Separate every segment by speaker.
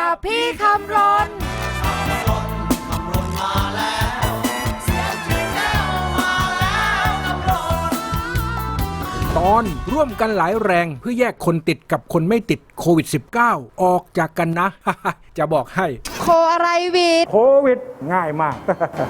Speaker 1: กับพี่คำรน
Speaker 2: ตอนร่วมกันหลายแรงเพื่อแยกคนติดกับคนไม่ติดโควิด -19 ออกจากกันนะ จะบอกให้
Speaker 1: โคอะไรวิด
Speaker 2: โควิดง่ายมาก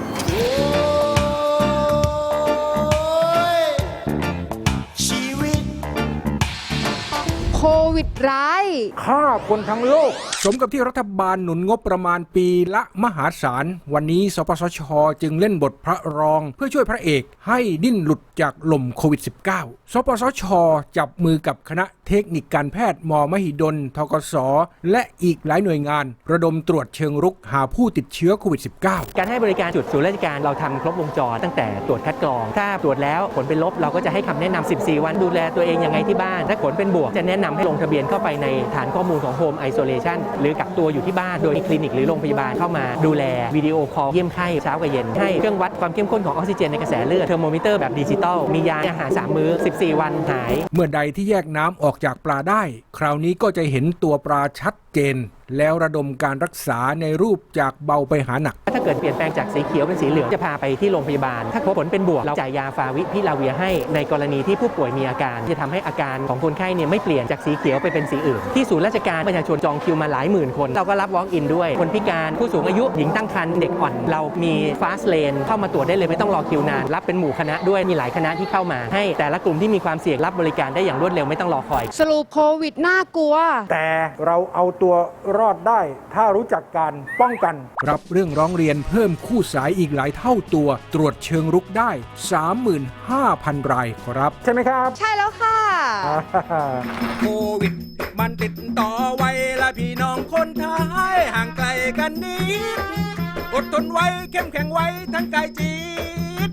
Speaker 1: โควิดร้าย
Speaker 2: ฆ่าคนทั้งโลกสมกับที่รัฐบาลหนุนงบประมาณปีละมหาศาลวันนี้สปสช.จึงเล่นบทพระรองเพื่อช่วยพระเอกให้ดิ้นหลุดจากลมโควิด -19 สปสช.จับมือกับคณะเทคนิคการแพทย์มมหิดลทกส.และอีกหลายหน่วยงานระดมตรวจเชิงรุกหาผู้ติดเชื้อโควิด -19
Speaker 3: การให้บริการจุดศูนย์ราชการเราทำครบวงจรตั้งแต่ตรวจคัดกรองถ้าตรวจแล้วผลเป็นลบเราก็จะให้คำแนะนำ14 วันดูแลตัวเองยังไงที่บ้านถ้าผลเป็นบวกจะแนะนำให้ลงทะเบียนเข้าไปในฐานข้อมูลของ Home Isolation หรือกักตัวอยู่ที่บ้านโดยมีคลินิกหรือโรงพยาบาลเข้ามาดูแลวิดีโอคอลเยี่ยมไข้เช้ากับเย็นให้เครื่องวัดความเข้มข้นของออกซิเจนในกระแสเลือดเทอร์โมมิเตอร์แบบดิจิตอลมียาอาหาร3 มื้อ14 วันหาย
Speaker 2: เมื่อใดที่แยกน้ำออกจากปลาได้คราวนี้ก็จะเห็นตัวปลาชัดเจนแล้วระดมการรักษาในรูปจากเบาไปหาหนัก
Speaker 3: ถ้าเกิดเปลี่ยนแปลงจากสีเขียวเป็นสีเหลืองจะพาไปที่โรงพยาบาลถ้าผลเป็นบวกเราจ่ายยาฟาวิพิลาเวียให้ในกรณีที่ผู้ป่วยมีอาการจะทำให้อาการของคนไข้เนี่ยไม่เปลี่ยนจากสีเขียวไปเป็นสีอื่นที่ศูนย์ราชการประชาชนจองคิวมาหลายหมื่นคนเราก็รับ walk in ด้วยคนพิการผู้สูงอายุหญิงตั้งครรภ์เด็กอ่อนเรามี fast lane เข้ามาตรวจได้เลยไม่ต้องรอคิวนานรับเป็นหมู่คณะด้วยมีหลายคณะที่เข้ามาให้แต่ละกลุ่มที่มีความเสี่ยงรับบริการได้อย่างรวดเร็วไม่ต้องรอคอย
Speaker 1: สรุปโควิดน่ากลัว
Speaker 2: แต่เราเอาตัวรอดได้ถ้ารู้จักการป้องกันรับเรื่องร้องเรียนเพิ่มคู่สายอีกหลายเท่าตัวตรวจเชิงรุกได้ 35,000 รายครับใช่ไหมครับ
Speaker 1: ใช่แล้วค่ะ
Speaker 2: โควิดมันติดต่อไวละพี่น้องคนไทยห่างไกลกันนิดอดทนไว้เข้มแข็งไว้ทั้งกายจิต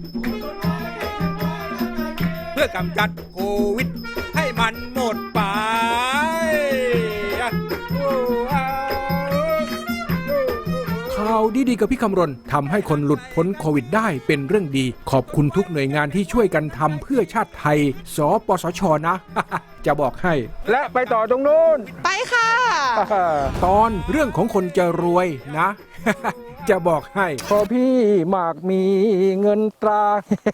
Speaker 2: เพื่อกำจัดโควิดให้มันหมดไปข่าวดีๆกับพี่คำรณทำให้คนหลุดพ้นโควิดได้เป็นเรื่องดีขอบคุณทุกหน่วยงานที่ช่วยกันทำเพื่อชาติไทยสปสช.นะ จะบอกให้และไปต่อตรงนู้น
Speaker 1: ไปค่ะ
Speaker 2: ตอนเรื่องของคนจะรวยนะ จะบอกให้พอพี่มากมีเงินตรา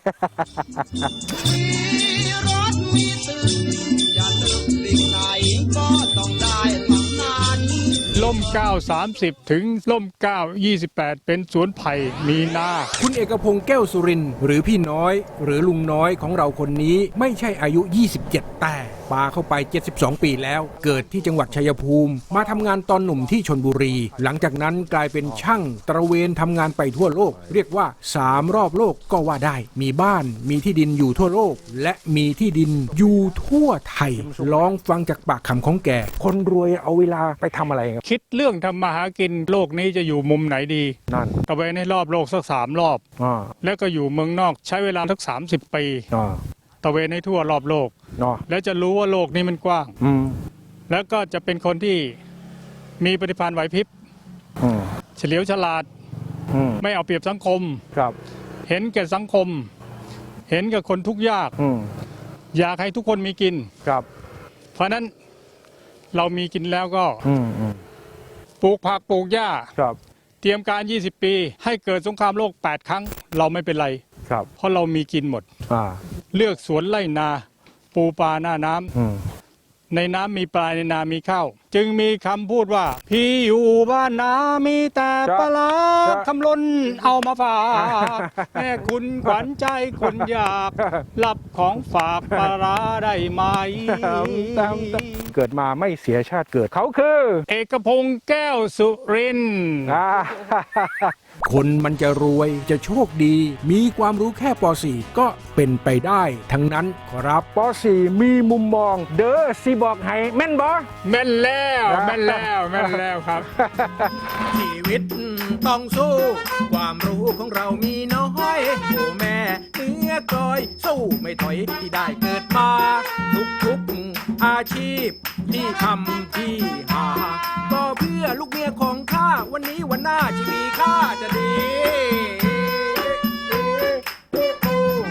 Speaker 4: มีรถมีตึกอย่าลืมสิ่งไหนก็ต้องได้ทั้งนั้น
Speaker 5: ล่ม9 30ถึงล่ม9 28เป็นสวนไผ่มีนา
Speaker 2: คุณเอกพงษ์แก้วสุรินทร์หรือพี่น้อยหรือลุงน้อยของเราคนนี้ไม่ใช่อายุ27แต่ปาเข้าไป72ปีแล้วเกิดที่จังหวัดชัยภูมิมาทำงานตอนหนุ่มที่ชลบุรีหลังจากนั้นกลายเป็นช่างตระเวนทำงานไปทั่วโลกเรียกว่า3รอบโลกก็ว่าได้มีบ้านมีที่ดินอยู่ทั่วโลกและมีที่ดินอยู่ทั่วไทยลองฟังจากปากคำของแกคนรวยเอาเวลาไปทำอะไร
Speaker 5: คิดเรื่องทำมาหากินโลกนี้จะอยู่มุมไหนดี
Speaker 2: นั่น
Speaker 5: ตะเวนให้รอบโลกสัก3 รอบแล้วก็อยู่เมืองนอกใช้เวลาสัก30 ปีตะเวนให้ทั่วรอบโลกแล้วจะรู้ว่าโลกนี้มันกว้างแล้วก็จะเป็นคนที่มีปฏิภาณไหวพริบเฉลียวฉลาดไม่เอาเปรียบสังคมเห็นแก่สังคมเห็นกับคนทุกข์ยากอยากให้ทุกคนมีกินเพราะนั้นเรามีกินแล้วก็ปลูกผักปลูกหญ้าเตรียมการ20 ปีให้เกิดสงครามโลก8 ครั้งเราไม่เป็นไรเพราะเรามีกินหมดเลือกสวนไร่นาปูปลาหน้าน้ำในน้ำมีปลาในนามีข้าวจึงมีคำพูดว่าพี่อยู่บ้านนามีแต่ปลาคำล้นเอามาฝากแม่คุณขวัญใจคนอยากรับของฝากปลาได้ไหม
Speaker 2: เกิดมาไม่เสียชาติเกิดเขาคือ
Speaker 5: เอกพงษ์แก้วสุรินทร์
Speaker 2: คนมันจะรวยจะโชคดีมีความรู้แค่ป .4 ก็เป็นไปได้ทั้งนั้นครับป .4 มีมุมมองเด้อสิบอกให้แม่นบ่
Speaker 5: แม่นแล้วแม่นแล้วครับ
Speaker 2: ชีวิตต้องสู้ความรู้ของเรามีน้อยโอ้แม่เนื้อกลอยสู้ไม่ถอยที่ได้เกิดมาทุกอาชีพที่ทำที่หาก็เพื่อลูกเมียของข้าวันนี้วันหน้าชีวิตข้าจะดีข่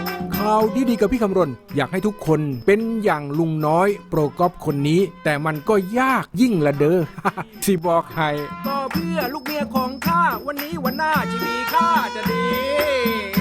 Speaker 2: าวดีๆกับพี่คำรณอยากให้ทุกคนเป็นอย่างลุงน้อยโปรกอฟคนนี้ แต่มันก็ยากยิ่งละเด้อ สิบอกให้ก็เพื่อลูกเมียของข้าวันนี้วันหน้าจะมีค่าจะดี